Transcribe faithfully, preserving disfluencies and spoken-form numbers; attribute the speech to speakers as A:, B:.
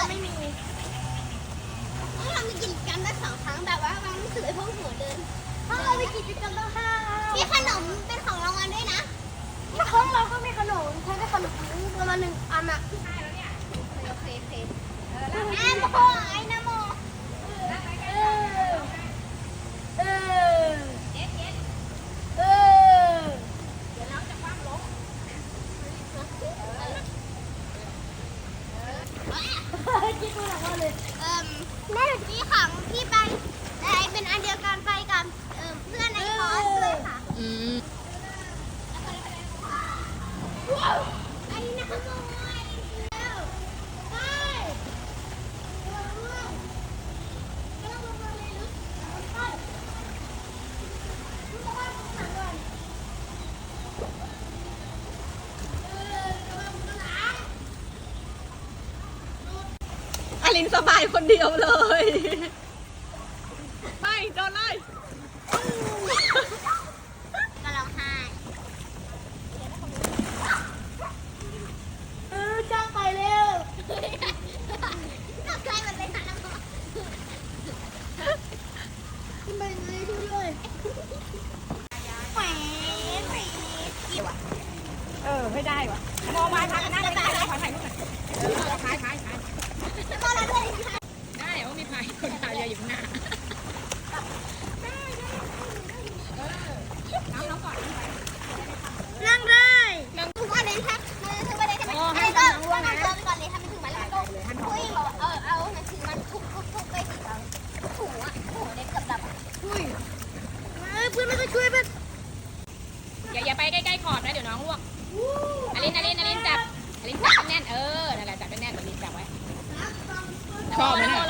A: ไม่มี
B: เรามีกิจกรรมได้สองครั้งแบบว่าวางหนังสือไอ้พวกหัวเดิน
A: ถ้าเรามีกิจกรรมต้องห้า
B: มีขนมเป็นของรางวัลด้วยนะ
A: ถ้าของเราก็มีขนมใช้ได้ขนมประมาณหนึ่งอันอะ
B: โอเคโอเคแอมโมไอ้นะโม
A: เออเออเออ คิดว่าอะไรเลย
B: เอ่มแม่พี่ของพี่ไปแต่เป็นอันเดียวกันไปกับเอ่มเพื่อนในคอร์สด้วยค่ะ
C: อืม
B: ไอ้นะโมไอ้เดียวไประวังไม่ต้องลงมาเลยลึกไปทุกคนข้างหลังก่อนเออระวังข้างหลัง
C: อลินสบายคนเดียวเลยไปโดนไล่
B: ก็ร้องไห้
A: เออจ้างไปเร็ว
B: ตกใจหมดเลยค่ะน้ำ
A: ขึ้นไปไงช่วยด้วย
B: แหวนแหวนกี่วะ
C: เออไม่ได้ว่ะมองมาทางนั้นไม่ได้ขอถ่ายรูปหน่อยเออถ่ายถ่ายถ่าย
B: แล้วก็แล้วด้วยค่ะ
C: ได้โอ้มีพายคนพายเรืออยู่ข้างหน้าน้ำน้ำก่อนน้ำไป
A: นั่งได้
B: ถึงวันเลยค่ะมันถึงวันเลยใช่ไหมไอ้ก็ต้องเอาตัวไปก่อนเลยถ้ามันถึงวันแล้วก็คุยบอกเออเอาหนังสือมันทุบทุบทุบไปสิเราถูอ่ะถูเด็กกับดับอ่ะ
A: อุ้ยเอ้ยเพื่อนไม่ต้องช่วยเพื่อน
C: อย่าอย่าไปใกล้ๆขอบนะเดี๋ยวน้องล่วงอลินอลินอลินจับอลินจับแน่นๆเออนั่นแหละจับแน่นๆอลินจับไว้ชอบไหมเนี่ย